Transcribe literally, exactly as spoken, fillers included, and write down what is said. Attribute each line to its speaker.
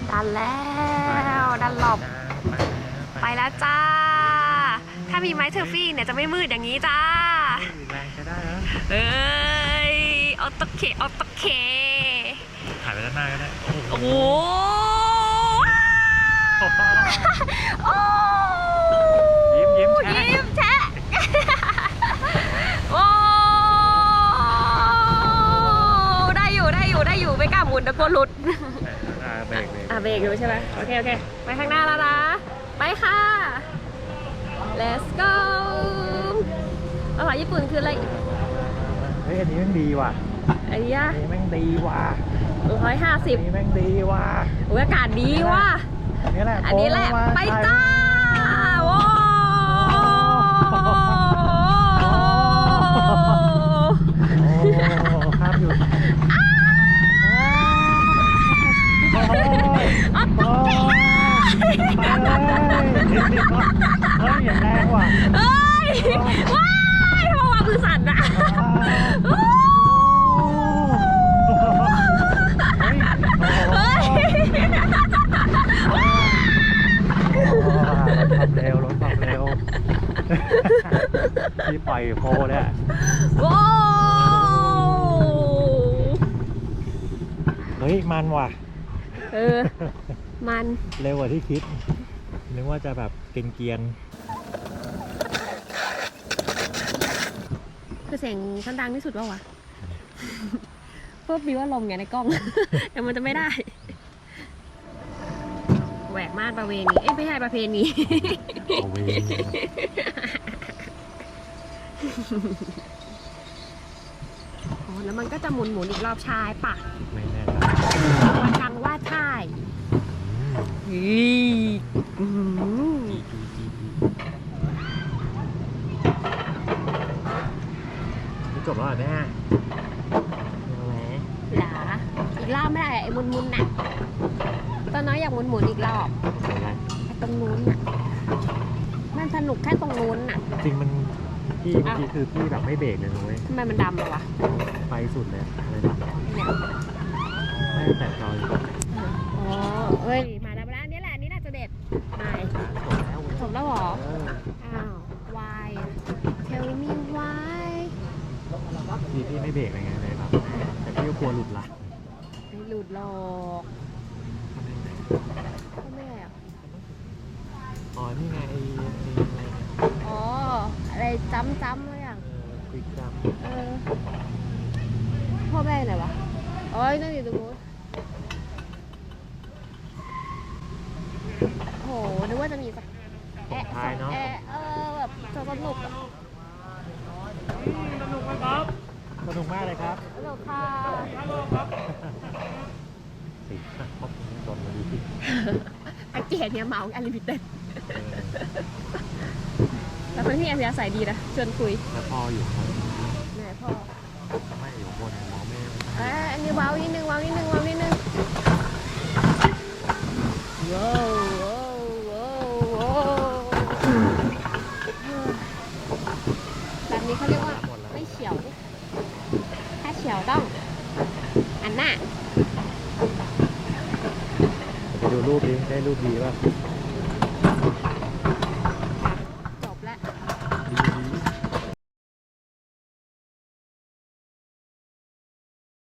Speaker 1: ดันแล้วดันหลบไปแล้วจ้าถ้ามีไม้เทอร์ฟี่เนี่ยจะไม่มืดอย่างนี้จ้า
Speaker 2: แรงใช้ได้แล้ว
Speaker 1: เอ้ยออโตเคออโตเค
Speaker 2: ถ่ายไปด้านหน้าก็ได้
Speaker 1: โอ้โห
Speaker 2: ยิ้มยิ้มแชะ
Speaker 1: ยิ้มแชะโอ้ได้อยู่ได้อยู่ได้อยู่ไม่กล้าหมุนตะโกนหลุด
Speaker 2: เบรกเบรก
Speaker 1: อ่ะเบรกอยู่ใช่ไหมโอเคโอเคไปข้างหน้าแล้วนะไปค่ะ let's go ภาษาญี่ปุ่นคืออะไร
Speaker 2: เฮ้ยอันนี้แม่งดีว่ะ
Speaker 1: ไอ้ยะ
Speaker 2: อันนี้แม่งดีว่ะ
Speaker 1: ร้อยห้าสิบ
Speaker 2: อันนี้แม่งดีว่ะ
Speaker 1: โอ้ยอากาศดีว่ะ
Speaker 2: อันนี้แหละ
Speaker 1: อันนี้แหละไปจ้าโอ้
Speaker 2: ข้ามอยู่
Speaker 1: อ๋อตกใจ
Speaker 2: ไปเลยเฮ้ยอย่างแรงว่ะ
Speaker 1: เฮ้ยว้ายทำไมวางมือสั่นอะเฮ้ย
Speaker 2: ความเร็วรถความเร็วที่ปล่อยโพเนี่ย
Speaker 1: ว้าว
Speaker 2: เฮ้ยมันว่ะ
Speaker 1: เออมัน
Speaker 2: เร็วกว่าที่คิดนึกว่าจะแบบเกรียน
Speaker 1: ๆคือเสียงชั้นดังที่สุดว่าวะเพื่อมีว่าลมไงในกล้องแต่มันจะไม่ได้แหวกม่านประเวณีเอ้ยไม่ใช่ประเพณี
Speaker 2: ประเวณี
Speaker 1: อ๋อแล้วมันก็จะหมุนหมุนอีกรอบชายปะ
Speaker 2: ไม่แน่ใจ
Speaker 1: วันจังว่าใช่อี
Speaker 2: นี่จบแล้วเหรอเนี่ย
Speaker 1: หลาอีกรอบไม่ได้ไอ้หมุนหมุนน่ะตอนน้อยอยากหมุนหมุนอีกรอบไอ้ตรงนู้นน่ะมันสนุกแค่ตรงนู้นน่ะ
Speaker 2: จริงมันพี่เมื่อกี้คือพี่แบบไม่เบรกเลยนุ้ย
Speaker 1: ทำไมมันดำเลยวะ
Speaker 2: ไปสุดเลยอะไรแบบเนี่ยไม่แต่จอย
Speaker 1: อ๋อเอ้ยมาแล้วมาแล้วนี่แหละนี่น่าจะเด็ดไม่จบแล้วหรออ้าว why tell me why
Speaker 2: พี่พี่ไม่เบรกอะไรไงเลยแบบแต่พี่ก็กลัวหลุดละ
Speaker 1: ไม่หลุดหรอกทำไมอ่ะ
Speaker 2: อ๋อนี่ไงไอ้อะไร
Speaker 1: อ๋ออะไรจ้ำจ้ำอะไรอย่าง
Speaker 2: ควิกจัม
Speaker 1: เออพ่อแม่ไหนวะโอ้ยนั่งอยู่ตรงนู้นโหนึกว่าจะมีสักแอะสองแอะเออแบบสนุกอะ
Speaker 2: สนุกไหมครับสนุกมากเลยครับ
Speaker 1: สนุกค่ะ
Speaker 2: สิครบจนมาดูสิ
Speaker 1: แพ็กเกจเนี่ยเมาอันลิมิเต็ดแล้วเพื่อนพี่แอมยาใส่ดีนะชวนคุย
Speaker 2: แล้วพ่ออยู่คน
Speaker 1: ไหนพ่อ
Speaker 2: ไม่อยู่คนมองไม่
Speaker 1: เอ้อันนี้ว้าวนิดนึงว้าวนิดนึงว้าวนิดนึงว้าวว้าวว้าวว้าวแบบนี้เขาเรียกว่าไม่เฉียวถ้าเฉียวต้องอันน่ะ
Speaker 2: ไปดูรูปดิได้รูปดีป่ะ